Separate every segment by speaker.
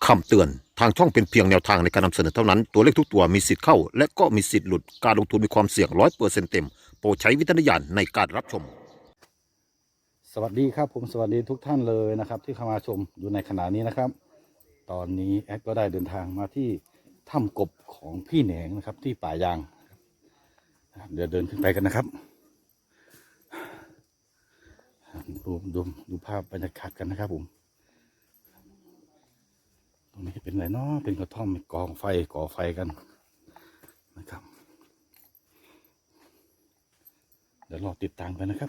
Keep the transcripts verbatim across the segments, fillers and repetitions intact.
Speaker 1: คำเตือนทางช่องเป็นเพียงแนวทางในการนำเสนอเท่านั้นตัวเลขทุกตัวมีสิทธิ์เข้าและก็มีสิทธิ์หลุดการลงทุนมีความเสี่ยงร้อยเปอร์เซ็นต์เต็มโปรดใช้วิจารณญาณในการรับชม
Speaker 2: สวัสดีครับผมสวัสดีทุกท่านเลยนะครับที่เข้ามาชมอยู่ในขณะนี้นะครับตอนนี้แอดก็ได้เดินทางมาที่ถ้ำกบของพี่แหนงนะครับที่ป่ายางเดี๋ยวเดินขึ้นไปกันนะครับดูดูดูภาพบรรยากาศกันนะครับผมตรงนี้เป็นอะไรเนาะเป็นกระท่อมกองไฟก่อไฟกันนะครับเดี๋ยวรอติดตามกันนะครับ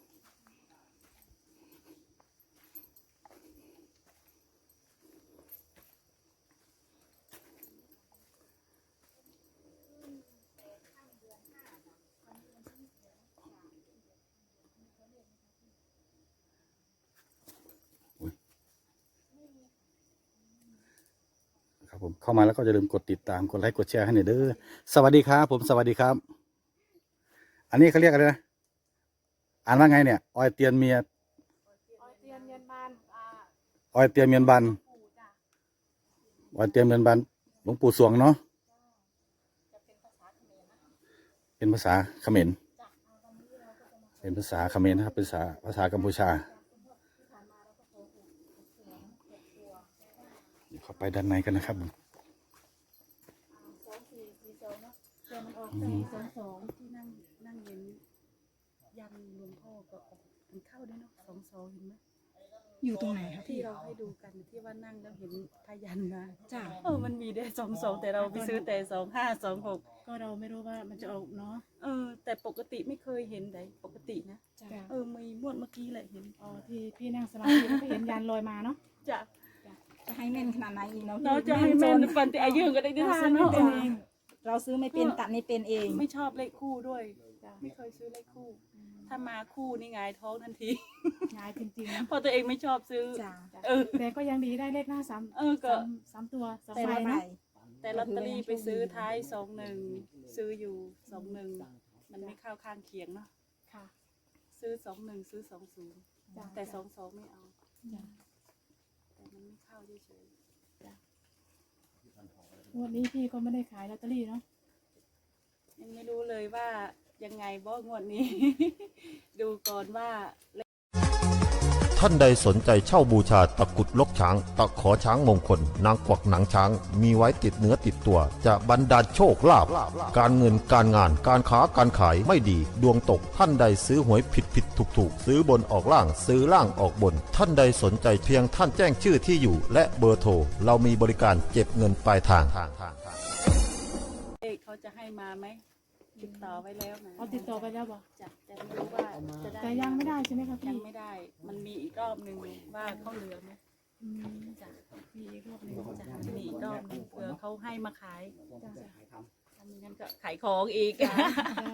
Speaker 2: ครับผมเข้ามาแล้วก็อย่าลืมกดติดตามกดไลค์กดแชร์ให้หน่อยเด้อสวัสดีครับผมสวัสดีครับอันนี้เขาเรียกอะไรนะอ่านว่าไงเนี่ยออยเตียนเมีย
Speaker 3: ออยเตียนเมียนบานอ่า
Speaker 2: ออยเตียนเมียนบัน
Speaker 3: ปู่จ้ะ
Speaker 2: ออยเตียนเมียนบันหลวงปู่สวงเนาะ
Speaker 3: จะเป็นภาษาเขมรนะ
Speaker 2: เป็นภาษาเขมร
Speaker 3: จ้ะเอาวันนี้เราก็จะมา
Speaker 2: เป็นภาษาเขมรนะครับเป็นภาษาภาษากัมพูชา
Speaker 3: ที่ผ่านมาเราก็โกหกเสียงเก็บตัว
Speaker 2: เข้าไปด้านในกันนะครับ
Speaker 3: อ่าสองสี่สี่สองเนาะแต่มันออกสี่สองสองที่นั่งนั่งเห็นยันหลวงพ่อก็ออกมันเข้าด้วยเนาะสองสองเห็นไหม
Speaker 4: อยู่ตรงไหนครับ
Speaker 3: ที่
Speaker 4: พี่
Speaker 3: เราให้ดูกันที่ว่านั่งแล้วเห็นพยันมา
Speaker 4: จ้า
Speaker 3: เออมันมีได้สองสองแต่เราไปซื้อแต่สองห้าสองหก
Speaker 4: ก็เราไม่รู้ว่ามันจะออกเนาะ
Speaker 3: เออแต่ปกติไม่เคยเห็นไหนปกตินะ
Speaker 4: จ้า
Speaker 3: เออมีมวดเมื่อกี้แหละเห็น
Speaker 4: อ๋อที่พี่นั่งสมาธิแล้วก็เห็นยันลอยมาเนาะ
Speaker 3: จะ
Speaker 5: จะให้แม่นขนาดไหนอีกเนาะ
Speaker 3: เราจะให้แม่นฟันแต่อายุก็ได้ที่
Speaker 4: เรา
Speaker 3: ทา
Speaker 4: ซื้
Speaker 3: น
Speaker 4: อไม่
Speaker 3: เนาะ
Speaker 4: เป็นเอง
Speaker 5: เราซื้อไม่เป็นตัดไม่เป็นเอง
Speaker 3: ไม่ชอบเลขคู่ด้วยไม่เคยซื้อเลขคู่ ถ้ามาคู่นี่ไงายท้องทันที
Speaker 4: งายจริงๆนะ
Speaker 3: เพราะตัวเองไม่ชอบซื้อ
Speaker 5: จ้า
Speaker 3: เออ
Speaker 4: แต่ก็ยังดีได้เลขหน้าสาม
Speaker 3: เออก็
Speaker 4: สามสามตัวสาม
Speaker 5: แต่
Speaker 4: ใบ
Speaker 5: ละใบ
Speaker 4: เนาะ
Speaker 3: แต่ลอตเตอรี่ไปซื้อท้ายสองหนึ่งซื้ออยู่สองหนึ่งมันไม่เข้าข้างเคียงเนาะ
Speaker 4: ค่ะ
Speaker 3: ซื้อสองหนึ่งซื้อสองศูนย์
Speaker 4: จ้ะ
Speaker 3: แต่สองสองไม่เอา
Speaker 4: จ้ะ
Speaker 3: แต่มันไม่เข้าเฉย
Speaker 4: งวดนี้พี่ก็ไม่ได้ขายลอตเตอรี่เนาะ
Speaker 3: ๆยังไม่รู้เลยว่ายังไงบ้งวดนี้ ดูก่อนว่า
Speaker 1: ท่านใดสนใจเช่าบูชาตะกรุดลกช้างตะขอช้างมงคลนางกวักหนังช้างมีไว้ติดเนื้อติดตัวจะบรรดาลโชคลาภการเงินการงานการค้าการขายไม่ดีดวงตกท่านใดซื้อหวยผิดผิดถูกถูกซื้อบนออกล่างซื้อล่างออกบน ท่านใดสนใจเพียงท่านแจ้งชื่อที่อยู่และเบอร์โทรเรามีบริการเก็บเงินปลายทาง
Speaker 3: เอกเขาจะให้มาไหมติดต่อไว้แล้วนะ
Speaker 4: เอาติดต่อไปแล้วบอก
Speaker 3: จะแต่ไม่รู้ว่าจะได้
Speaker 4: แต่ยังไม่ได้ใช่ไหมคะ
Speaker 3: ยั
Speaker 4: พี่
Speaker 3: งไม่ได้ มันมีอีกรอบหนึ่งว่าเขาเหลือไหม
Speaker 4: อืม
Speaker 3: จะ
Speaker 4: มีอีกรอบหนึง
Speaker 3: จะมีอีกรอบหนึ่งเผื่อเขาให้มาขาย
Speaker 4: จ้ะ
Speaker 3: ถ้าไม่งั้นก็ขายของอีก
Speaker 4: จ้ะ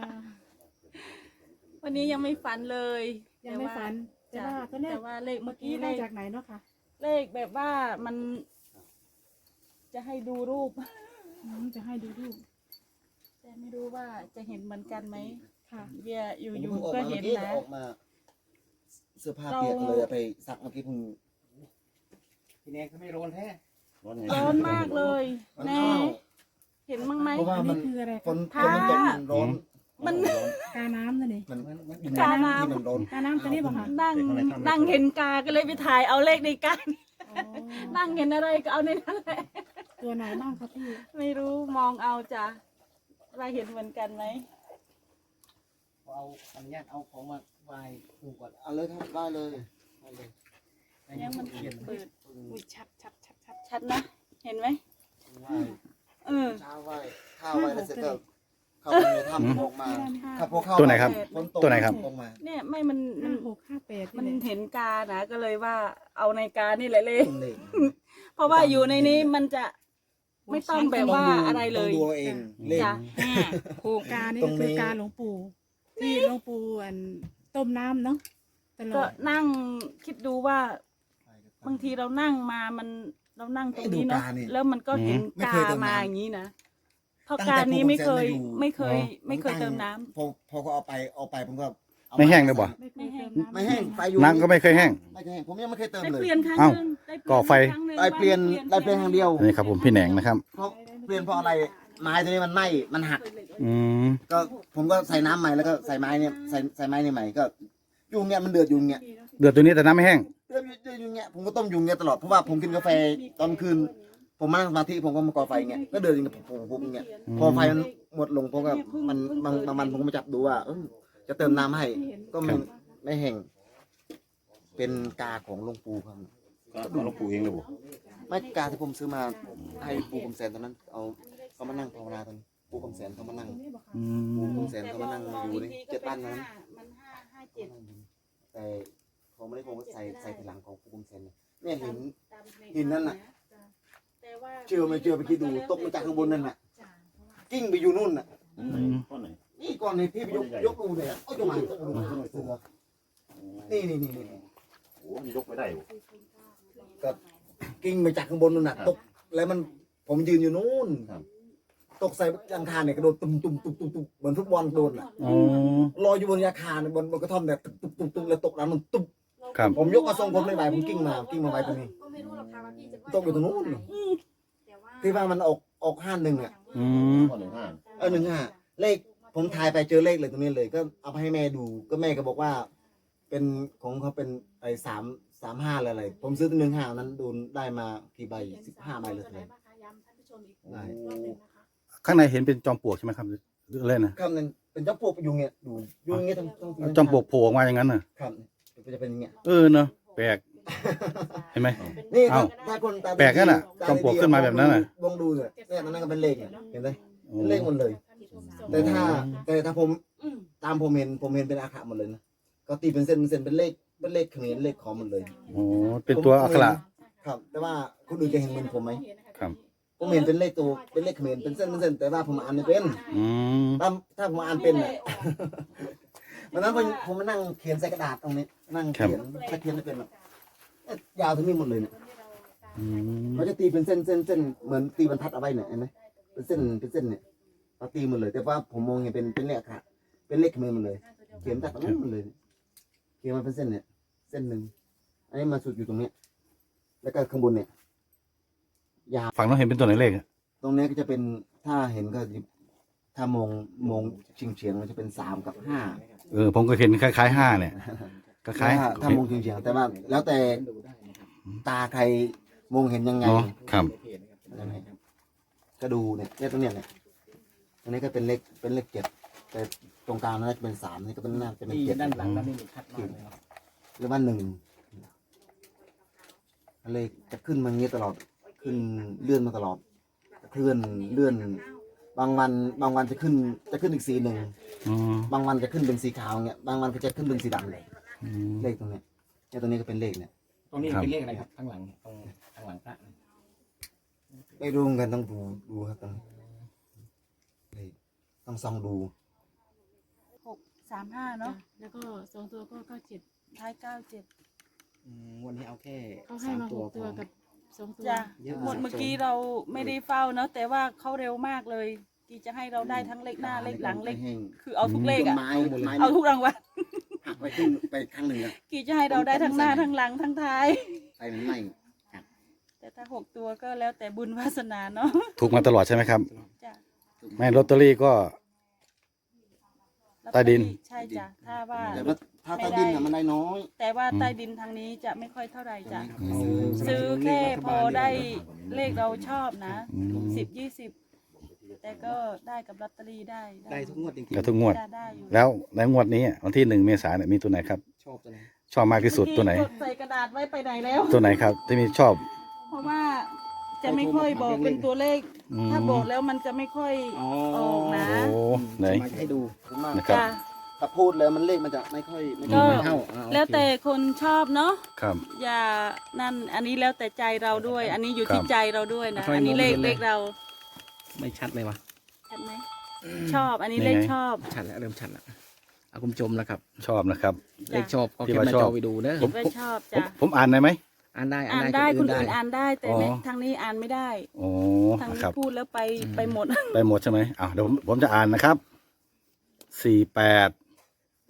Speaker 3: วันนี้ยังไม่ฝันเลย
Speaker 4: ยังไม่ฝันแต่
Speaker 3: แต่
Speaker 4: ว่า
Speaker 3: ว่า
Speaker 4: ตัวเลข
Speaker 3: แต่ว่าเลข
Speaker 4: เมื่
Speaker 3: เมื่
Speaker 4: อ
Speaker 3: อ
Speaker 4: กี้
Speaker 3: กี้เล
Speaker 4: ได้
Speaker 3: ข
Speaker 4: จากไหนเนาะค่ะ
Speaker 3: เลขแบบว่ามัน จะให้ดูรูป
Speaker 4: อืมจะให้ดูรูป
Speaker 3: แต่ไม่รู้ว่าจะเห็นเหมือนกันไหม
Speaker 4: ค่ะ
Speaker 3: เบียร์อยู่
Speaker 6: ผม
Speaker 3: อยู่
Speaker 6: เพิ่งออก
Speaker 3: ก็
Speaker 6: มา
Speaker 3: เห็
Speaker 6: เมื่
Speaker 3: น
Speaker 6: อกี้
Speaker 3: นะ
Speaker 6: ออกมา เสื้อผ้าเปียกเลยเอาไปซักเมื่อกี้เพิ่ง
Speaker 7: พี่แนงเขาไม่ร้อนแท้
Speaker 6: ร้อนไง
Speaker 3: ร้อนมากเลย
Speaker 6: มัน
Speaker 3: แน่
Speaker 6: เข้า
Speaker 3: เห็นมั้งไหม
Speaker 6: เพราะว่า
Speaker 4: อัน
Speaker 6: มั
Speaker 4: นี้
Speaker 6: น
Speaker 4: คืออะไร
Speaker 6: ฝ
Speaker 4: คะ
Speaker 6: นฝ
Speaker 3: ผ้า
Speaker 6: นมันตกมันร้อน
Speaker 3: มัน
Speaker 6: ร้อน
Speaker 4: กาน้ำนั่นเอง
Speaker 6: มัน
Speaker 7: มันมัน
Speaker 6: มัน
Speaker 3: กาน้ำ
Speaker 6: ที่มันร้อน
Speaker 4: กาน้ำตัวนี้บอกค่ะ
Speaker 3: นั่งนั่งเห็นกาก็เลยไปถ่ายเอาเลขในกา
Speaker 4: อ๋อ
Speaker 3: นั่งเห็นอะไรก็เอาในนั้นแหละ
Speaker 4: ตัวไหนบ้างครับพี่
Speaker 3: ไม่รู้มองเอาจ้ะว่าเห็นเหมือนกันไหม
Speaker 7: เอาอนุญาตเอาของมาไหว้ครูก่อน
Speaker 6: เอาเลยครับได้เลยได้เลย
Speaker 3: ยังมัน
Speaker 7: เขียน
Speaker 3: เปิด
Speaker 4: อุ้ยชัดชัดชัดชัด
Speaker 3: ชัดนะ เห็นไหม
Speaker 6: ไหว้
Speaker 3: เออ
Speaker 6: เช้าไหว้ข้าวไหว้แล้วเสร็จก็เข้าไปในถ้ำออกมาครับพอเข้า
Speaker 2: ตัวไหนครับ
Speaker 6: ฝนตก
Speaker 2: ตัวไหนครับ
Speaker 6: ออกมา
Speaker 3: เนี่ยไม่มันมั
Speaker 4: ห้าน หกห้าแปด
Speaker 3: มัน
Speaker 4: นี่แหละ
Speaker 3: เห็นกานะก็เลยว่าเอาในกานี่แหละเลย
Speaker 6: ต้นเลข
Speaker 3: เพราะว่าอยู่ในนี้มันจะไม่ต้องแบบว่าอะไรเลย
Speaker 6: ต้องดูเอาเองเลข
Speaker 3: จ้ะ
Speaker 4: ผูกกานี่
Speaker 6: ตร
Speaker 4: ก็
Speaker 6: ง
Speaker 4: คื
Speaker 6: นี้
Speaker 4: อกาหลวงปู่ที่หลวงปู่อันต้มน้ำเนาะตล
Speaker 3: ก็
Speaker 4: อด
Speaker 3: นั่งคิดดูว่าบางทีเรานั่งมามันเรานั่งตรงนี้เนาะแล้วมันก็เห็นกามาอย่างนี้นะเพราะการนี้ไม่เคยไม่เคย ไม่เคยเติมน้ำ
Speaker 6: พอพอเขาเอาไปเอาไปผมก็เอา
Speaker 2: ไม่แห้งเลยบ่
Speaker 3: ไม่แห้ง
Speaker 6: ไม่แห้งไฟอยู่
Speaker 2: น้ำก็ไม่เคยแห้ง
Speaker 6: ไม่เคยแห้งผมยังไม่เคยเติม
Speaker 3: ได้
Speaker 6: เลย
Speaker 3: เปลี่ยนครั้ง
Speaker 2: เอ้า
Speaker 3: หนึงได้เปลี่ยน
Speaker 2: ก่อไฟ
Speaker 3: ครั้งหนึ่ง
Speaker 6: ได้เปลี่ยนได้เปลี่ยนทางเดียว
Speaker 2: นี่ครับผมพี่แหนงนะครับ
Speaker 6: เพราะเปลี่ยนเพราะอะไรไม้ตัวนี้มันไหม้มันหัก
Speaker 2: อืม
Speaker 6: ก็ผมก็ใส่น้ำใหม่แล้วก็ใส่ไม้เนี่ยใส่ใส่ไม้นี่ใหม่ก็ยุงเนี่ยมันเดือดยุงเนี่ย
Speaker 2: เดือดตัวนี้แต่น้ำไม่แห้ง
Speaker 6: เดือดเดือดยุงเนี่ยผมก็ต้มยุงเนี่ยตลอดเพราะว่าผมกินกาแฟตอนคืน ผมมานั่งสมาธิผมก็มาก่อไฟเงี้ยก็เดือดอย่างเงี้ยผมผมอย่างเงี้ยพอไฟมันหมดลงผมก็มันบางบางวันผมก็มาจับดูว่าเออจะเติมน้ำให้ก็ไม่ไม่แห้งเป็นกาของหลวงปู่ครับ
Speaker 2: ก็หลวงปู่เองเลยบ่
Speaker 6: ไม่กาที่ผมซื้อมาให้ปู่คำแสนตอนนั้นเอาเขามานั่งภาวนาตอนปู่คำแสนเขามานั่ง
Speaker 2: อื
Speaker 6: ปู่
Speaker 2: ม
Speaker 6: คำแสนเขามานั่งอยู่ในเจ็ดบ้านนั้น
Speaker 3: มันห้าห้าเจ็ด
Speaker 6: แต่ผมไม่ได้ผมก็ใส่ใส่ทีหลังของปู่คำแสนเนี่ยเนี่ยหินหินนั่นน่ะ
Speaker 3: แต่ว่า
Speaker 6: เชื่อไม่เชื่อไปคิดดูตกมาจากข้างบนนั่นน่ะกิ้งไปอยู่นู่นน่ะ
Speaker 2: อืม
Speaker 6: นี่ก่อนนี่พี่ไปยกยกดูเนี่ยเอาจงมานี่นี่นี่นี่
Speaker 1: โอ้ยยกไม่ได้
Speaker 6: ก็กิ้งไปจากข้างบนนั่นน่ะตกแล้วมันผมยืนอยู่นู่นตกใส่ยังคาเนี่ยกระโดดตุ้มตุ้มตุ้มตุ้มตุ้มเหมือนฟุตบอลโดนอ่ะ
Speaker 2: อ๋อ
Speaker 6: ลอยอยู่บนอาคารบนบนกระท่อมเนี่ยตุ้มตุ้มตุ้มตุ้มแล้วตกน้ำมันตุ้ม
Speaker 2: ครับ
Speaker 6: ผมยกมาทรงผมไม่ไหวผมกิ้งมากิ้งมาไว้ตรงนี้ตกอยู่ตรงนู้นที่ว่ามันออกออกห้าหนึ่งอ่ะ
Speaker 2: อืม
Speaker 6: เออหนึ่งห้าเลขผมทายไปเจอเลขเลยตรงนี้เลย ก็เอาไปให้แม่ดูก็แม่ก็บอกว่า เป็นของเขาเป็นไอ้สามสามห้าอะไรๆผมซื้อตัวหนึ่งห้านั้นดูได้มากี่ใบสิบห้าใบเลยเลยได้
Speaker 2: ข้างในเห็นเป็นจอมปลวกใช่ไหมครับหรืออะไรนะ
Speaker 6: ครับนั่นเป็นเจ้าปลวกยุงเนี่ยดูยุงอย่างเงี้ยต้องต้อง
Speaker 2: จอมปลวกโผล่ออกมาอย่างนั้นน่ะ
Speaker 6: ครับจะเป็นอย่างเงี้ย
Speaker 2: เออเนาะแปลกเห็นไหม
Speaker 6: นี่
Speaker 2: เอ้า
Speaker 6: ถ้าคนตาดี
Speaker 2: แปลกนั่นน่ะ
Speaker 6: ตา
Speaker 2: จอมปลวกขึ้นมาแบบนั้นน่ะ
Speaker 6: ลองดูเนี่ยเนี่ยมันนั่นก็เป็นเลขเนี่ยเห็นไหม
Speaker 2: โอ้
Speaker 6: เป็นเลขหมดเลย แต่ถ้าแต่ถ้าผมตามผมเห็นผมเห็นเป็นอาขะหมดเลยนะก็ตีเป็นเส้นเป็นเส้นเป็นเลขเป็นเลขเขมรเลขขอมหมดเลย
Speaker 2: โอ้เป็นตัวอักขระ
Speaker 6: ครับ แต่ว่าคุณอื่นจะเห็นเหมือนผมไหม
Speaker 2: ครับ
Speaker 6: ผมเห็นเป็นเลขตัวเป็นเลขเขมรเป็นเส้นเป็นเส้นแต่ว่าผมอ่านไม่เป็น
Speaker 2: อืม
Speaker 6: ถ้าถ้าผมอ่านเป็นน่ะ วันนั้นผมผมมานั่งเขียนใส่กระดาษตรงนี้ นั่งเขียนถ้าเขียนไม่เป็นหรอกเอ๊ะยาวถึงนี่หมดเลยเนี่ย
Speaker 2: อืม
Speaker 6: เขาจะตีเป็นเส้นเส้นเส้นเหมือนตีบรรทัดเอาไว้เนี่ยเห็นไหมเป็นเส้นเป็นเส้นเนี่ยเขาตีหมดเลย แต่ว่าผมมองเห็นเป็นเป็นเลขค่ะเป็นเลขเขมรหมดเลย เขียนจากตรงนั้นหมดเลย เขียนมาเป็นเส้นเนี่ย เส้นหนึ่งอันนี้มาสุดอยู่ตรงเนี้ยแล้วก็ข้างบนเนี่ยยาว
Speaker 2: ฝั่งน้องเห็นเป็นตัวไหนเลขอะ
Speaker 6: ตรงเนี้ยก็จะเป็นถ้าเห็นก็จะถ้ามองมองเฉียงเฉียงๆมันจะเป็นสามกับห้า
Speaker 2: เออผมก็เห็นคล้ายๆห้าเนี่ยคล้าย
Speaker 6: ถ้าถ้ามองเฉียงเฉียงๆแต่ว่า แล้วแต่ตาใครมองเห็นยังไง
Speaker 2: เนาะครับ
Speaker 6: ก็ดูเนี่ยเนี่ยตรงเนี้ยเนี่ยอันนี้ก็เป็นเลขเป็นเลขเจ็ดแต่ตรงกลางนั้นจะเป็นสามนี่ก็เป็นหน้าจะเป็น
Speaker 7: ที่
Speaker 6: เจ็ด
Speaker 7: ด้านหลังนั้นนี่ชัดมากเลยเนาะ
Speaker 6: หรือว่าหนึ่งเลขจะขึ้นมาอย่างนี้ตลอดขึ้นเลื่อนมาตลอดเคลื่อนเลื่อน บางวันบางวันจะขึ้นจะขึ้นอีกสีหนึ่ง
Speaker 2: อืม
Speaker 6: บางวันจะขึ้นเป็นสีขาวเงี้ยบางวันก็จะขึ้นเป็นสีดำเลย
Speaker 2: อืม
Speaker 6: เลขตรงเนี้ยเนี่ยตรงนี้ก็เป็นเลขเนี่ย
Speaker 7: ตรงนี้
Speaker 2: ครับ
Speaker 7: เป็นเลขอะไรครับข้างหลังตรงข้างหลังพระ
Speaker 6: ไม่รู้เหมือนกันต้องดูดูครับตรงนี้เลขต้องส่องดู
Speaker 3: หกสามห้าเนาะ
Speaker 4: แล้วก็สองตัวก็เก้าเจ็ด
Speaker 3: ท้ายเก้าเจ็ด
Speaker 7: อืมวันนี้เอาแค่
Speaker 4: เขาให้
Speaker 7: สาม
Speaker 4: มาห
Speaker 7: ตัว
Speaker 4: กตัว
Speaker 7: พอ
Speaker 4: กับสองตัว
Speaker 3: จ้ะ
Speaker 7: เยอะ
Speaker 3: หมดเมื่อกี้เราไม่ได้เฝ้าเนาะแต่ว่าเขาเร็วมากเลยที่จะให้เราได้ทั้งเลขหน้าเลขหลังเลขคือเอาทุกเลขอะ
Speaker 6: ไม้ไม้
Speaker 3: เอาทุกรางวัล
Speaker 6: หักไปขึ้นไปข้างหนึ่งอะ
Speaker 3: กี่จะให้เราได้ทั้งหน้าทั้งหลังทั้งท้าย
Speaker 6: ไปมันไหม้
Speaker 3: แต่ถ้าหกตัวก็แล้วแต่บุญวาสนาเนาะ
Speaker 2: ถูกมาตลอดใช่ไหมครับ
Speaker 3: จ้ะ
Speaker 2: ไม่ลอตเตอรี่ก็ ใต้ดิน
Speaker 3: ใช่จ้ะถ้าว่า
Speaker 6: แต่ว่าถ้าใต้ดินอะมันได้น้อย
Speaker 3: แต่ว่าใต้ดินทางนี้จะไม่ค่อยเท่าไหร่จ้ะ
Speaker 2: อืม
Speaker 3: ซื้อแค่พอได้เลขเราชอบนะ
Speaker 2: อืม
Speaker 3: สิบยี่สิบแต่ก็ได้กับลอตเตอรี่ได้
Speaker 7: ได้ทุกงวดจริง
Speaker 2: แล้วทุกงวด
Speaker 3: ได้ได้อยู่
Speaker 2: แล้วในงวดนี้วันที่หนึ่งเมษายนเนี่ยมีตัวไหนครับ
Speaker 7: ๆชอบตัวไหน
Speaker 2: ชอบมากที่สุดตัวไหน
Speaker 3: จดใส่กระดาษไว้ไปไหนแล้ว
Speaker 2: ตัวไหนครับ ที่มีชอบ
Speaker 3: เพราะว่าจะไม่ค่อยบอกเป็นตัวเลข
Speaker 2: อืม
Speaker 3: ถ้าบอกแล้วมันจะไม่ค่อยออกนะ
Speaker 2: โอ้ไหน
Speaker 7: มาให้ดู
Speaker 6: ผมมาก
Speaker 2: นะครับ
Speaker 3: จ้ะ
Speaker 6: ถ้าพูดแล้วมันเลขมันจะไม่ค่อยไม่
Speaker 3: ก็
Speaker 6: ค่อย
Speaker 7: เท่าอ่าโอเค
Speaker 3: แล้วแต่คนชอบเนาะ
Speaker 2: ครับ
Speaker 3: อย่านั่นอันนี้แล้วแต่ใจเราด้วย อันนี้อยู่ที่
Speaker 2: ครับ
Speaker 3: ใจเราด้วยนะ
Speaker 7: ทำไม
Speaker 3: อันนี้เลข
Speaker 7: มองไม่เห็นเลย
Speaker 3: เลขเรา
Speaker 7: ไม่ชัดเลยวะ
Speaker 3: ชัดไหมชอบอันนี้
Speaker 2: นี่
Speaker 3: เลข
Speaker 2: ไง
Speaker 3: ชอบ
Speaker 7: ชัดแล้วเริ่มชัดแล้วเอาคุณผู้ชมนะครับ
Speaker 2: ชอบนะครับ
Speaker 7: เลขชอบก็
Speaker 2: ที่
Speaker 7: แค่
Speaker 2: ว่า
Speaker 7: มา
Speaker 2: ชอบ
Speaker 7: จอไปดูเนอะ
Speaker 2: ผม
Speaker 3: ไว้ชอบ
Speaker 2: ผม
Speaker 3: จ้ะ
Speaker 2: ผมอ่านได้ไหม
Speaker 7: อ่านได้
Speaker 3: อ่าน
Speaker 7: อ่าน
Speaker 3: ได้
Speaker 7: ได้
Speaker 3: คน
Speaker 7: ได้
Speaker 3: อื่นอ่านได้แต่
Speaker 2: อ๋อ
Speaker 3: ไม่ทางนี้อ่านไม่ได้
Speaker 2: โอ้
Speaker 3: ทาง
Speaker 2: นะ
Speaker 3: นี้
Speaker 2: ครับ
Speaker 3: พูดแล้วไปไปหมด
Speaker 2: ไปหมดใช่ไหมอ้าวเดี๋ยวผมผมจะอ่านนะครับ สี่แปด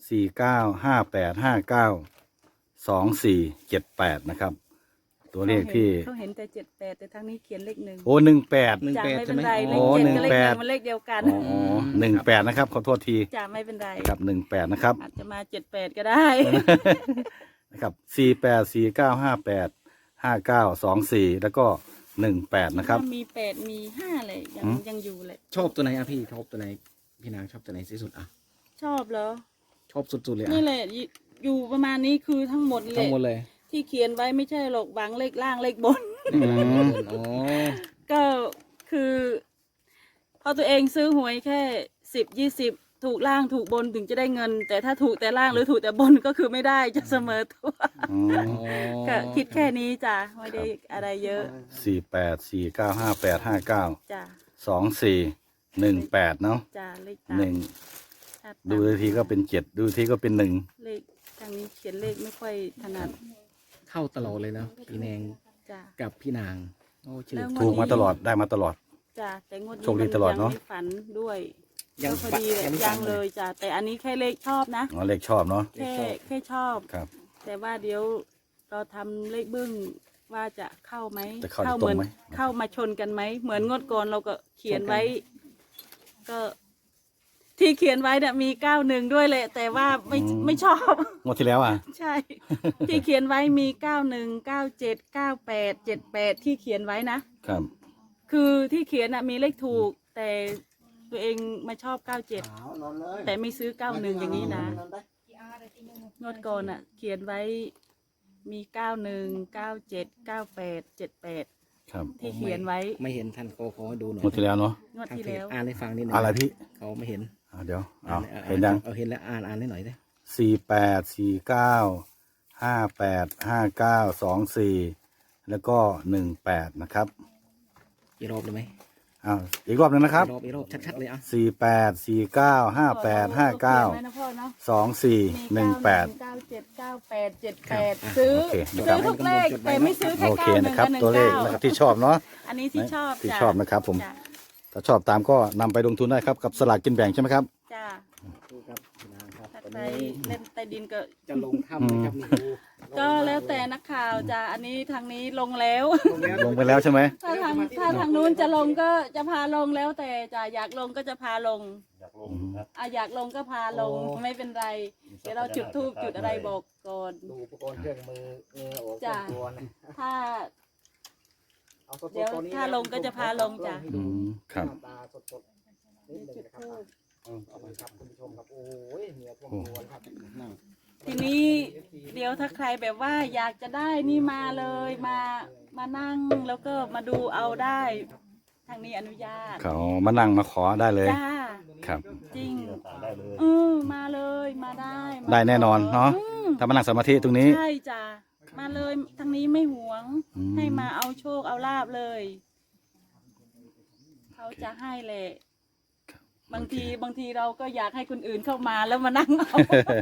Speaker 2: สี่เก้าห้าแปดห้าเก้าสองสี่เจ็ดแปดนะครับ ตัวเลขที่
Speaker 3: เขาเห็นแต่เจ็ดแปดแต่ทางนี้เขียนเลขหนึ่ง
Speaker 2: โอ้หนึ่งแปด
Speaker 7: หนึ่ง
Speaker 3: จ้ะ
Speaker 7: แปด
Speaker 3: ไม่
Speaker 7: ใช่
Speaker 3: เป็น
Speaker 7: ไหม
Speaker 3: ไรเล
Speaker 2: โอ้
Speaker 3: ขเจ็ด
Speaker 2: หนึ่ง
Speaker 3: กับเลข
Speaker 2: แป
Speaker 3: ห
Speaker 2: ด
Speaker 3: นึ่งมันเลขเดียวกัน
Speaker 2: อ๋อหนึ่งแปดนะครับขอโทษที
Speaker 3: จ้ะไม่เป็นไร
Speaker 2: ครับหนึ่งแปดนะครับ
Speaker 3: อาจจะมาเจ็ดแปดก็ได้
Speaker 2: นะครับสี่แปดสี่เก้าห้าแปดห้าเก้าสองสี่แล้วก็หนึ่งแปดนะครับ
Speaker 3: มีแปดมีห้าเลยยัง
Speaker 2: หืม
Speaker 3: ยังอยู่เลย
Speaker 7: ชอบตัวไหนอ่ะพี่ชอบตัวไหนพี่นางชอบตัวไหนที่สุดอ่ะ
Speaker 3: ชอบเหรอ
Speaker 7: ชอบสุดๆเลยอ่ะ
Speaker 3: นี่แหละอยู่อยู่ประมาณนี้คือทั้งหมดเล
Speaker 7: ทั้
Speaker 3: ย
Speaker 7: งหมดเลย
Speaker 3: ที่เขียนไว้ไม่ใช่หรอกบางเลขล่างเลขบน
Speaker 2: อืม
Speaker 7: อ๋อ
Speaker 3: ก็คือพอตัวเองซื้อหวยแค่สิบยี่สิบถูกล่างถูกบนถึงจะได้เงิน แต่ถ้าถูกแต่ล่างหรือถูกแต่บนก็คือไม่ได้จะเสมอตัว
Speaker 2: อืม
Speaker 3: ก็คิดแค่นี้จ้ะไม่ได้อะไรเยอะ
Speaker 2: สี่แปดสี่เก้าห้าแปดห้าเก้า
Speaker 3: จ้ะ
Speaker 2: สองสี่หนึ่งแปดเนาะ
Speaker 3: จ้ะเลขตาม
Speaker 2: หนึ่ง
Speaker 3: ถ้าตาม
Speaker 2: ดูทีก็เป็นเจ็ดดูทีก็เป็นหนึ่ง
Speaker 3: เลขทางนี้เขียนเลขไม่ค่อยถนัด
Speaker 7: เข้าตลอดเลยนะพี่แนง
Speaker 3: จ้ะ
Speaker 7: กับพี่นางโอ้ชื่อ
Speaker 3: แล้ว
Speaker 2: ถูกมาตลอดได้มาตลอด
Speaker 3: จ้ะแต่งวดนี้
Speaker 2: โชคดีตลอดเนอะ
Speaker 3: มัยังไม่ฝันด้วย
Speaker 7: ยัง
Speaker 3: พอดีเลย
Speaker 7: ยังไม่
Speaker 3: ยั
Speaker 7: ฟั
Speaker 3: ง
Speaker 7: ง
Speaker 3: เล
Speaker 7: เลย
Speaker 3: ยจ้ะแต่อันนี้แค่เลขชอบนะ
Speaker 2: อ๋อเลขชอบเนาะ
Speaker 3: แค่แค่ชอบ
Speaker 2: ครับ
Speaker 3: แต่ว่าเดี๋ยวเราทำเลขบึ้งว่าจะเข้าไหม
Speaker 2: จะเข้า
Speaker 3: เหมื
Speaker 2: ตรงไหม
Speaker 3: เข้ามาชนกันไหมเหมือนงวดก่อนเราก็เขียนไว้ ก็ ที่เขียนไว้เนี่ยมีเก้าหนึ่งด้วยแหละ แต่ว่าไม่ไม่ชอบ
Speaker 2: งวดที่แล้วอ่ะ
Speaker 3: ใช่ ที่เขียนไว้มีเก้าหนึ่งเก้าเจ็ดเก้าแปดเจ็ดแปดที่เขียนไว้นะครับ คือที่เขียนน่ะมีเลขถูก แต่ตัวเองมาชอบเก้าเจ็ดแต่ไม่ซื้อเก้าหนึ่งอย่างนี้นะงวดก่อนอ่ะ เขียนไว้มีเก้าหนึ่งเก้าเจ็ดเก้าแปดเจ็ดแปด
Speaker 2: ครับ
Speaker 3: ที่เขียนไว้
Speaker 7: ไม่เห็นท่านโกขอให้ดูหน่อย
Speaker 2: งวดที่แล้วเนาะ
Speaker 3: งวด
Speaker 7: ทาง
Speaker 3: ที่
Speaker 7: เพจ
Speaker 3: แล้ว
Speaker 7: อ่านให้ฟังนิดหน่อย
Speaker 2: อะไรพี่
Speaker 7: เขาไม่เห็น
Speaker 2: อ่าเดี๋ยวเอา
Speaker 7: อ่า
Speaker 2: เห็นยัง
Speaker 7: เอาเห็นแล้วอ่านอ่านให้หน่อยได้
Speaker 2: สี่แปดสี่เก้าห้าแปดห้าเก้าสองสี่แล้วก็หนึ่งแปดนะครับ
Speaker 7: อีกรอบได้ไหม
Speaker 2: อ้าวอีกรอบหนึงนะครับ
Speaker 7: อีกรอบอีกรอบชัดๆเลยอ่ะ
Speaker 2: สี่แปดสี่เก้าห้าแปดห้าเก้า
Speaker 3: ขียนไว้นะพ่อเนาะ
Speaker 2: สองสี่หนึ่งแปด
Speaker 3: เก้าเจ็ดเก้าแปดเจ็ดแปดซื้อ
Speaker 2: โอเคนะค
Speaker 3: ซื้
Speaker 2: รับ
Speaker 3: อทุกเลขแต่ไม่ซื้อแค่
Speaker 2: โอเค
Speaker 3: เก้าหนึ่
Speaker 2: นะ
Speaker 3: ง
Speaker 2: ครับ
Speaker 3: กับหนึ่ง
Speaker 2: ตัวเลข
Speaker 3: เก้า
Speaker 2: นะครับที่ชอบเนาะ
Speaker 3: อันนี้ที่ชอบ
Speaker 2: ที่
Speaker 3: จ้ะ
Speaker 2: ชอบนะครับผม
Speaker 3: จ้ะ
Speaker 2: ถ้าชอบตามก็นำไปลงทุนได้ครับกับสลากกินแบ่งใช่ไหมครับ
Speaker 3: จ้า
Speaker 7: ดูครับพี่นางครับ
Speaker 3: ถ้า
Speaker 7: ตอน
Speaker 3: ใคร
Speaker 7: นี้
Speaker 3: เล่นใต้ดินก็
Speaker 7: จะลงถ้ำนะครับนี่ดู
Speaker 3: ก็แล้วแต่นักข่าวจ้ะอันนี้ทางนี้ลงแล้ว
Speaker 7: ลงแล้ว
Speaker 2: ลงไปแล้วใช่ไหม
Speaker 3: ถ้าทางถ้าทางนู้นจะลงก็จะพาลงแล้วแต่จะอยากลงก็จะพาลงอ่ะอยากลงก็พาลงไม่เป็นไร เดี๋ยวเราจุดธูปจุดอะไรบอกก่อน
Speaker 7: ดูอุปกรณ์เครื่องมือเออโอ้
Speaker 3: จ้ะ
Speaker 7: ตัวนะ
Speaker 3: ถ้า
Speaker 7: เอาสดๆ
Speaker 3: เดี๋ยว
Speaker 7: ตอนนี้
Speaker 3: ถ้าลงก็จะพาลงจ้ะ
Speaker 7: ให้
Speaker 2: อื
Speaker 7: ดู
Speaker 2: มครับ
Speaker 7: หน้าตาสดๆนิดหนึง
Speaker 3: จุด
Speaker 7: นะครับ
Speaker 3: ธูป
Speaker 7: เอาไปครับคุณผู้ชมครับโอ้ยเหนียวพวกตัวครับ
Speaker 3: ทีนี้เดี๋ยวถ้าใครแบบว่าอยากจะได้นี่มาเลยมามานั่งแล้วก็มาดูเอาได้ทางนี้อนุญาต
Speaker 2: เขามานั่งมาขอได้เลย
Speaker 3: จ้า
Speaker 2: ครับ
Speaker 3: จริงเออมาเลยมาได้มา
Speaker 2: ได้แน่นอนเนาะ
Speaker 3: อืม
Speaker 2: ถ้ามานั่งสมาธิตรงนี้
Speaker 3: ใช่จ้ามาเลยทางนี้ไม่หวง
Speaker 2: อืม
Speaker 3: ให้มาเอาโชคเอาลาบเลย เขาจะให้แหละบางทีบางทีเราก็อยากให้คนอื่นเข้ามาแล้วมานั่งเอา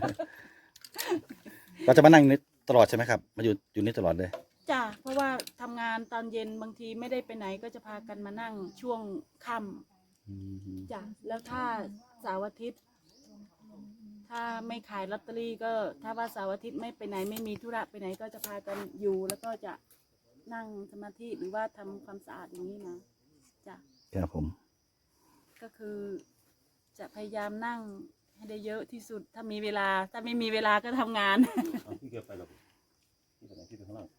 Speaker 2: เราจะมานั่งนี่ตลอดใช่ไหมครับมาอยู่อยู่นี่ตลอดเลย
Speaker 3: จ้ะเพราะว่าทำงานตอนเย็นบางทีไม่ได้ไปไหนก็จะพากันมานั่งช่วงค่ำจ้ะแล้วถ้าเสาร์อาทิตย์ ถ้าไม่ขายลอตเตอรี่ก็ถ้าว่าเสาร์อาทิตย์ไม่ไปไหนไม่มีธุระไปไหนก็จะพากันอยู่ แล้วก็จะนั่งสมาธิหรือว่าทำความสะอาดอย่างนี้นะจ้ะ
Speaker 2: ครับผม
Speaker 3: ก็คือจะพยายามนั่งให้ได้เยอะที่สุด ถ้ามีเวลา ถ้าไม่มีเวลาก็ทำงาน
Speaker 1: ที่เก็บไปหรอที่ไหนที่ข้างล่าง